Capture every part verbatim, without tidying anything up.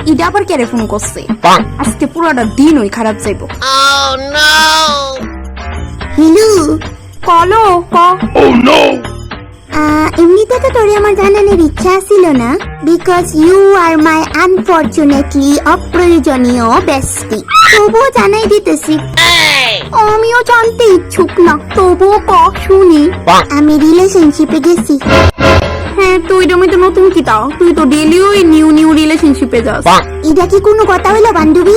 Ida আবার কেরে phone করছে? আজকে পুরোটা দিন ওই খারাপ যাইব। হ্যালো কলো ক। এমনিতে তো তোরে আমার জানানোর ইচ্ছা ছিল না, because you are my unfortunately অপ্রয়োজনীয় বেস্টি। তবুও জানাই দিতেছি, আমিও জানতে ইচ্ছুক না, তবুও ক শুনি। আমি রিলেশনশিপে গেছি। হ্যাঁ, তুই এটা তো নতুন কি তাও? তুই তো ডেলি ওই নিউ নিউ রিলেশনশিপে যাস। এটা কি কোনো কথা হইলো বান্ধবী?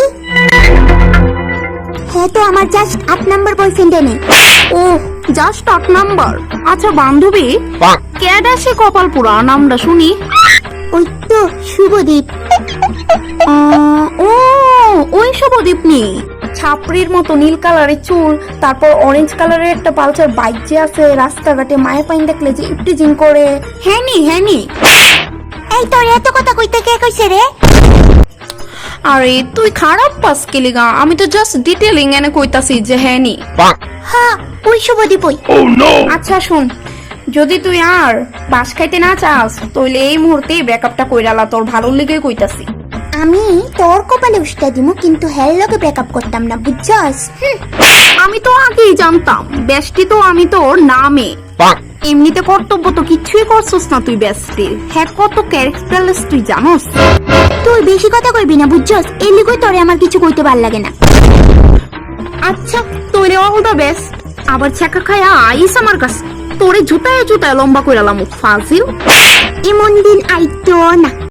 হ্যাঁ, তো আমার জাস্ট আট নাম্বার বয়ফ্রেন্ড নেই। ও জাস্ট আট নাম্বার। আচ্ছা বান্ধবী, কেডা সে কপাল পুরা, নামটা শুনি। ওই তো শুভদীপ। আহ, ও ওই শুভদীপ নি, ছাপড়ির মতো নীল কালারের চুল, তারপর অরেঞ্জ কালারের একটা পালসার বাইক যে আছে, রাস্তাঘাটে মায়ের পাইন দেখলে যে ইপটিজিং করে। হ্যাঁ নি হ্যাঁ নি। এই তোর এত কথা কইতে কে কইছে রে? আরে তুই খারাপ পাস কেলিগা, আমি তো জাস্ট ডিটেইলিং এনে কইতাছি যে হ্যাঁ নি। হ্যাঁ, ওই শুভদীপ ওই। আচ্ছা শুন, যদি তুই আর বাস খাইতে না চাস তাহলে এই মুহূর্তে ব্রেকআপটা কইরালা, তোর ভালো লেগে কইতাছি। আমি তোর কপালে উষ্টা দিমু, কিন্তু হের লগে ব্রেকআপ করতাম না, বুঝছস? আমি তো আগেই জানতাম, বেস্টি তো আমি তোর নামে। এমনিতে কর্তব্য তো কিচ্ছুই করছস না তুই বেস্টির। হ্যাঁ, কত ক্যারেক্টারলেস তুই জানোস। তুই বেশি কথা কইবি না, বুঝছস? এই লিগই তোরে আমার কিছু কইতে ভাল লাগে না। আচ্ছা তোরে অল দ্য বেস্ট। আবার ছাকা খায়া আইস আমার কাছে, তোরে জুতায় জুতায় লম্বা কইরালাম ফাজিল। এমন দিন আইতো না।